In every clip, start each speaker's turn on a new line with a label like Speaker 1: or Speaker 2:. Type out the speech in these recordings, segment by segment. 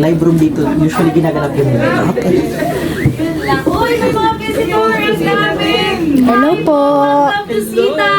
Speaker 1: live room dito. Usually ginaganap yun. Okay.
Speaker 2: Uy, may mga visitors namin!
Speaker 3: Hello po.
Speaker 2: Bisita!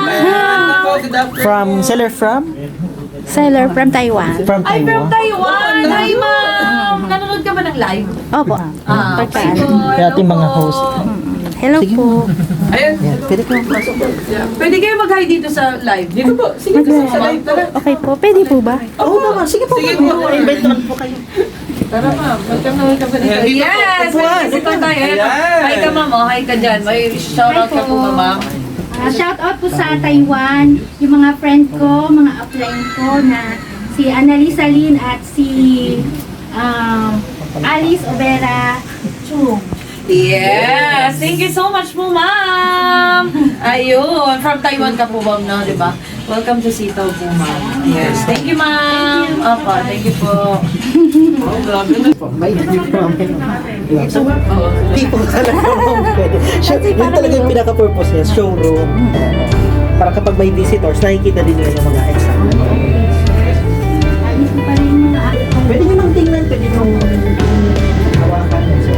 Speaker 1: From, seller from?
Speaker 3: Seller from Taiwan.
Speaker 1: From
Speaker 2: Ay, from
Speaker 1: Taiwan.
Speaker 2: Taiwan! Hi, ma'am! Nanonood ka ba ng live?
Speaker 3: Opo. Pagkaan.
Speaker 1: Kaya ating mga host.
Speaker 3: Hello po.
Speaker 2: Ayun.
Speaker 1: Yan, pwede ko pasok.
Speaker 2: Pwede kayo mag-hi dito sa live. Dito po. Sige po sa live. Tara.
Speaker 3: Okay po. Pwede po ba?
Speaker 1: Oo naman, sige po.
Speaker 2: Sige po.
Speaker 1: Invite naman po kayo.
Speaker 2: Tara, ma'am. Welcome na welcome pa dito. Yes! May visitor tayo. Hi ka, ma'am. Oh, hi ka dyan. May shoutout ka po ba, ma'am?
Speaker 4: Shout out po sa Taiwan, yung mga friend ko, mga upline ko na si Annalisa Lin at si Alice Obera Chung.
Speaker 2: Yes! Thank you so much po, ma'am! Ayun, from Taiwan ka po, ma'am, no? Diba? Welcome to Sitaw po, ma'am. Yes, thank you, ma'am! Opo, thank you po. Oh, grabe na.
Speaker 1: May hindi po namin. So, hindi po talaga pwede. Yun talaga yung pinaka-purpose niya, showroom. Para kapag may visitors, nakikita din nila yung mga exam.
Speaker 4: Alice ko pa rin yung
Speaker 1: Pwede nyo nang tingnan, pwede nyo hawakan. So,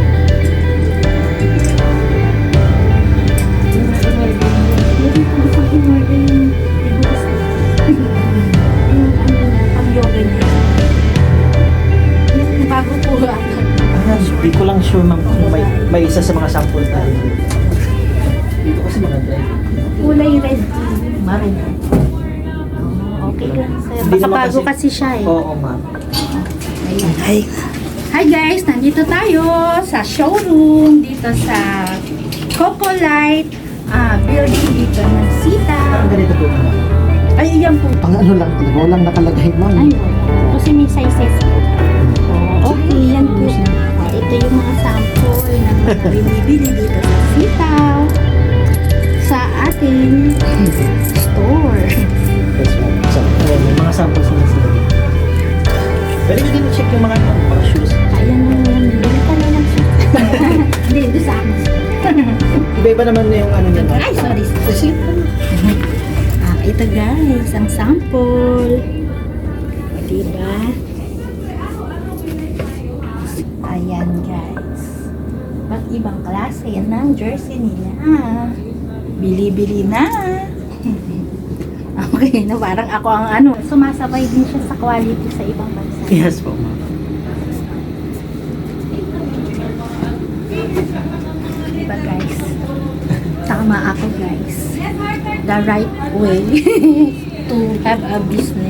Speaker 4: bago po
Speaker 1: Hindi ko lang sure ma'am kung may isa sa mga sample tayo. Dito kasi mga dry.
Speaker 4: kulay red.
Speaker 1: Maroon.
Speaker 4: Okay lang sir.
Speaker 1: Hindi
Speaker 4: Baka
Speaker 1: naman
Speaker 4: bago
Speaker 1: kasi-
Speaker 4: kasi siya eh.
Speaker 1: Oo ma'am.
Speaker 3: Hi.
Speaker 4: Hi guys, nandito tayo sa showroom dito sa Coco Light building dito ng Sita.
Speaker 1: Parang ganito po ma'am.
Speaker 4: Ay, yan po.
Speaker 1: Pang ano lang talaga, walang nakalagay ma'am.
Speaker 4: Ay, wala. Kasi may sizes po. Okay, yan po. Ito yung mga sample na mga binibili dito sa Sitaw. Sa ating store.
Speaker 1: Yes ma'am. So, ayan, may mga samples na sila dito. Pwede ko din check yung mga shoes.
Speaker 4: Ayan na yan. Bili ka na lang siya. Hindi, doon sa akin.
Speaker 1: Iba-iba naman na yung ano niya. ma'am.
Speaker 4: Ay, sorry.
Speaker 1: Kasi,
Speaker 4: Ito guys, ang sample. Diba? Ayan guys. Ba't ibang klase ng jersey nila? Bili-bili na. Okay, na parang ako ang ano. Sumasabay din siya sa quality sa ibang bansa.
Speaker 1: yes po ma'am.
Speaker 4: Diba guys? Tama ako guys. The right way to have a business.